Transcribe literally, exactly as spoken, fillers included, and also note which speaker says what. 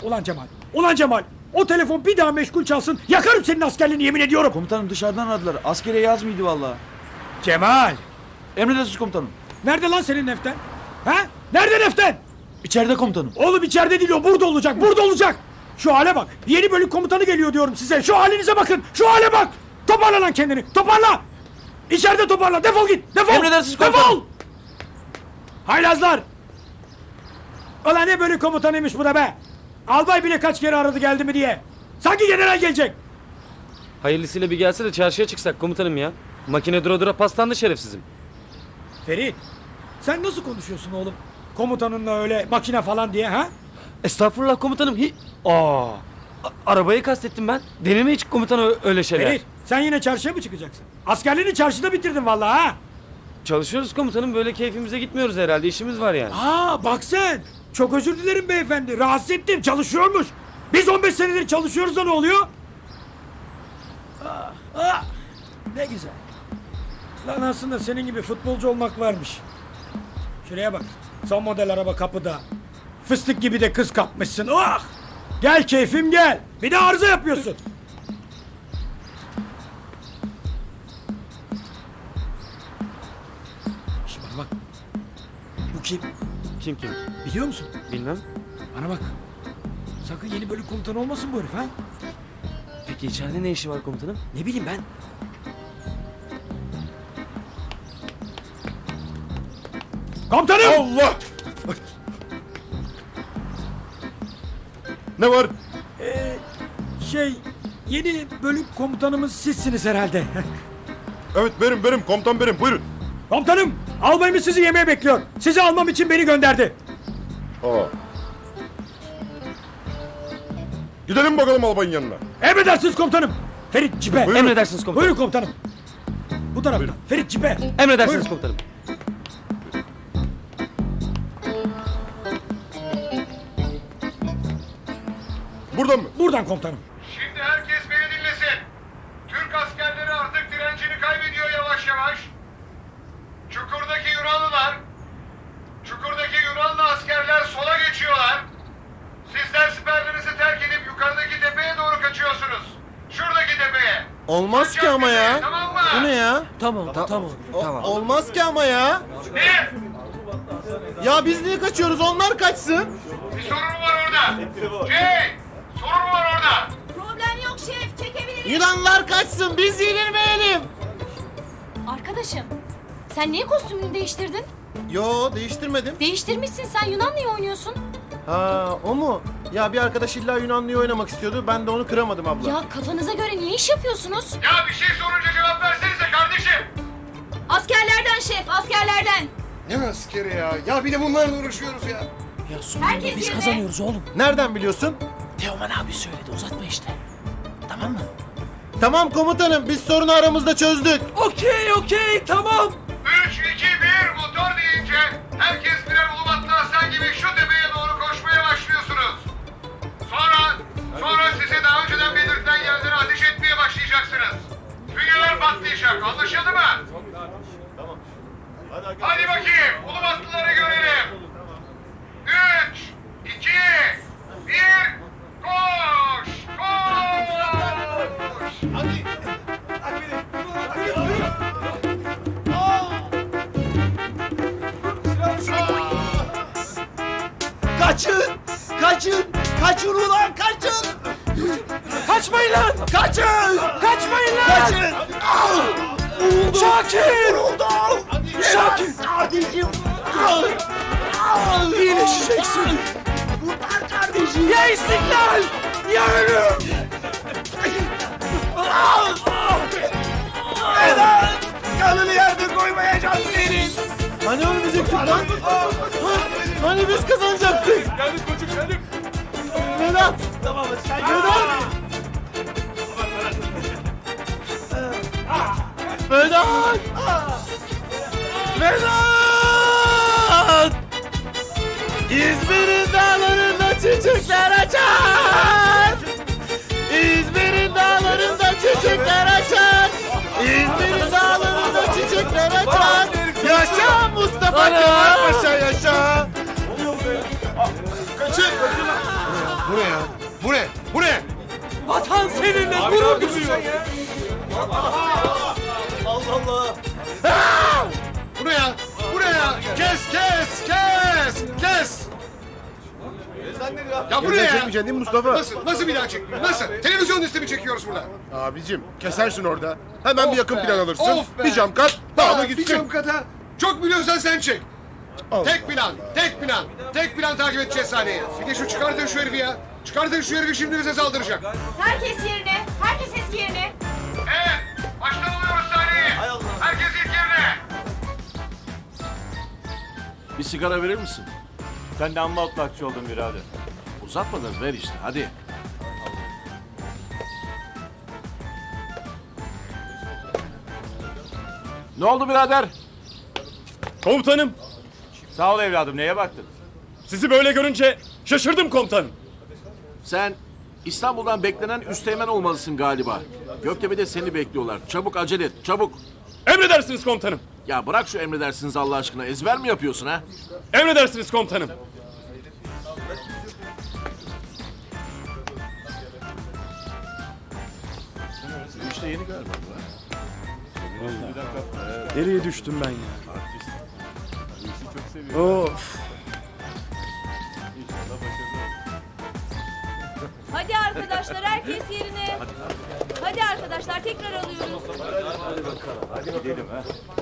Speaker 1: Ulan Cemal, ulan Cemal. O telefon bir daha meşgul çalsın, yakarım senin askerliğini, yemin ediyorum.
Speaker 2: Komutanım dışarıdan aradılar. Askere yaz mıydı vallahi?
Speaker 1: Cemal.
Speaker 2: Emredersiniz komutanım.
Speaker 1: Nerede lan senin Neften? Ha? Nerede Neften?
Speaker 2: İçeride komutanım.
Speaker 1: Oğlum içeride değil o, burada olacak, burada olacak. Şu hale bak, yeni bölük komutanı geliyor diyorum size. Şu halinize bakın, şu hale bak. Toparla lan kendini, toparla. İçeride toparla, defol git, defol.
Speaker 2: Emredersiniz komutanım.
Speaker 1: Defol. Haylazlar. Ulan ne bölük komutanıymış bu da be. Albay bile kaç kere aradı geldi mi diye. Sanki general gelecek.
Speaker 3: Hayırlısıyla bir gelse de çarşıya çıksak komutanım ya. Makine dura dura paslandı şerefsizim.
Speaker 1: Ferit, sen nasıl konuşuyorsun oğlum? Komutanınla öyle makine falan diye ha?
Speaker 3: Estağfurullah komutanım. Hi Aa, a- arabayı kastettim ben. Deneme hiç komutan ö- öyle şeyler.
Speaker 1: Ferit, sen yine çarşıya mı çıkacaksın? Askerliğini çarşıda bitirdin vallahi ha?
Speaker 3: Çalışıyoruz komutanım, böyle keyfimize gitmiyoruz herhalde, işimiz var yani.
Speaker 1: Aa bak sen. Çok özür dilerim beyefendi. Rahatsız ettim, çalışıyormuş. Biz on beş senedir çalışıyoruz da ne oluyor? Ah, ah, ne güzel. Lan aslında senin gibi futbolcu olmak varmış. Şuraya bak. Son model araba kapıda. Fıstık gibi de kız kapmışsın. Ah! Gel keyfim gel. Bir de arıza yapıyorsun. Şimdi bana bak. Bu kim?
Speaker 3: Kim kim?
Speaker 1: Biliyor musun?
Speaker 3: Bilmem.
Speaker 1: Bana bak. Sakın yeni bölük komutanı olmasın bu herif ha?
Speaker 3: Peki içeride ne işi var komutanım?
Speaker 1: Ne bileyim ben. Komutanım!
Speaker 4: Allah! Ne var?
Speaker 1: Ee, şey, yeni bölük komutanımız sizsiniz herhalde.
Speaker 4: Evet benim benim komutan benim buyurun.
Speaker 1: Komutanım, albayımız sizi yemeğe bekliyor. Sizi almam için beni gönderdi.
Speaker 4: Aa. Gidelim bakalım albayın yanına.
Speaker 1: Emredersiniz komutanım. Ferit cipe.
Speaker 4: Buyurun.
Speaker 3: Emredersiniz komutanım.
Speaker 1: Buyurun komutanım. Bu tarafta.
Speaker 4: Buyurun.
Speaker 1: Ferit cipe.
Speaker 3: Emredersiniz
Speaker 1: Buyurun.
Speaker 3: komutanım.
Speaker 4: Buradan mı?
Speaker 1: Buradan komutanım.
Speaker 5: Şimdi herkes beni dinlesin. Türk askerleri artık direncini kaybediyor yavaş yavaş. Çukur'daki Yunanlılar, Çukur'daki Yunanlı askerler sola geçiyorlar. Sizler siperlerinizi terk edip yukarıdaki tepeye doğru kaçıyorsunuz. Şuradaki tepeye.
Speaker 6: Olmaz ki ama ya.
Speaker 5: Tamam mı?
Speaker 6: Bu ne ya?
Speaker 2: Tamam tamam.
Speaker 6: O- olmaz ki ama ya.
Speaker 5: Ne?
Speaker 6: Ya biz niye kaçıyoruz? Onlar kaçsın.
Speaker 5: Bir sorun mu var orada? Şey, sorun mu var orada?
Speaker 7: Problem yok şef, çekebiliriz.
Speaker 6: Yunanlılar kaçsın. Biz yenilmeyelim.
Speaker 7: Arkadaşım, sen niye kostümünü değiştirdin?
Speaker 6: Yo değiştirmedim.
Speaker 7: Değiştirmişsin, sen Yunanlı'yı oynuyorsun.
Speaker 6: Ha o mu? Ya bir arkadaş illa Yunanlıyı oynamak istiyordu. Ben de onu kıramadım abla.
Speaker 7: Ya kafanıza göre niye iş yapıyorsunuz?
Speaker 5: Ya bir şey sorunca cevap versenize kardeşim.
Speaker 7: Askerlerden şef, askerlerden.
Speaker 8: Ne askeri ya? Ya bir de bunlarla uğraşıyoruz ya.
Speaker 2: Ya sonunda
Speaker 7: Herkes
Speaker 2: biz
Speaker 7: yerine.
Speaker 2: kazanıyoruz oğlum.
Speaker 6: Nereden biliyorsun?
Speaker 2: Teoman abi söyledi, uzatma işte. Tamam mı?
Speaker 6: Tamam komutanım biz sorunu aramızda çözdük.
Speaker 2: Okey okey tamam.
Speaker 5: Üç, iki, bir motor deyince herkes birer ulubatlı aslan gibi şu tepeye doğru koşmaya başlıyorsunuz. Sonra, sonra size daha önceden belirtilen yerlere ateş etmeye başlayacaksınız. Fünyeler patlayacak, anlaşıldı mı? Hadi bakayım, ulubatlıları görelim. Üç, iki, bir, koş, koş! Hadi!
Speaker 6: Kaçın! Kaçın! Kaçın ulan kaçın!
Speaker 1: Kaçmayın lan!
Speaker 6: Kaçın!
Speaker 1: Kaçmayın lan!
Speaker 6: Kaçın! Vuruldum!
Speaker 1: Şakir!
Speaker 6: Vuruldum!
Speaker 1: Şakir!
Speaker 6: Kardeşim!
Speaker 1: İyileşeceksin.
Speaker 6: Kurtar kardeşim!
Speaker 1: Ya istiklal! Ya ölüm!
Speaker 6: Vedat! Kanını yerde koymayacağım senin! Hani ölmeyecektik lan? Ha, Hani biz kazanacaktık?
Speaker 5: Geldik koçum, geldik.
Speaker 6: Vedat! Tamam Vedat! Vedat! Vedat! İzmir'in dağlarında çiçekler açar! İzmir'in dağlarında çiçekler açar! İzmir'in dağlarında çiçekler açar! Yaşa Mustafa Kemal Paşa yaşa! Kaçın!
Speaker 8: Bu ne ya? Bu ne? Bu ne?
Speaker 6: Vatan seninle gurur duyuyor.
Speaker 8: Bu ne ya? Bu ne ya? Kes kes kes kes! Ya bu ne ya?
Speaker 4: Çekmeyeceksin değil mi Mustafa?
Speaker 8: Nasıl? Nasıl bir daha çekmiyor? Nasıl? Televizyon üstü mi çekiyoruz burada?
Speaker 4: Abicim kesersin orada. Hemen
Speaker 8: Of
Speaker 4: bir yakın
Speaker 8: be,
Speaker 4: plan alırsın.
Speaker 8: of be.
Speaker 4: Bir cam kat. Daha da
Speaker 8: Aa, bir
Speaker 4: gitsin.
Speaker 8: cam kata. Çok biliyorsan sen çek.
Speaker 4: Allah.
Speaker 8: Tek plan, tek plan. Tek plan takip edeceğiz sahneyi. Bir de şu çıkartın şu herifi ya. Çıkartın şu herifi, şimdi bize saldıracak.
Speaker 7: Herkes yerine. Herkes eski yerine.
Speaker 5: Evet, baştan alıyoruz sahneyi. Herkes ilk yerine.
Speaker 9: Bir sigara verir misin?
Speaker 6: Sen de amma otlakçı oldun birader.
Speaker 9: Uzatma da ver işte hadi. Ne oldu birader?
Speaker 6: Komutanım. Sağ ol evladım, neye baktın?
Speaker 10: Sizi böyle görünce şaşırdım komutanım.
Speaker 9: Sen İstanbul'dan beklenen üsteğmen olmalısın galiba. Göktepe'de seni bekliyorlar. Çabuk acele et, çabuk.
Speaker 10: Emredersiniz komutanım.
Speaker 9: Ya bırak şu emredersiniz Allah aşkına. Ezber mi yapıyorsun ha?
Speaker 10: Emredersiniz komutanım.
Speaker 9: İşte yeni galiba.
Speaker 10: Nereye düştüm ben ya? Of.
Speaker 7: Hadi arkadaşlar herkes yerine. Hadi arkadaşlar tekrar alıyoruz.
Speaker 6: Hadi gidelim ha.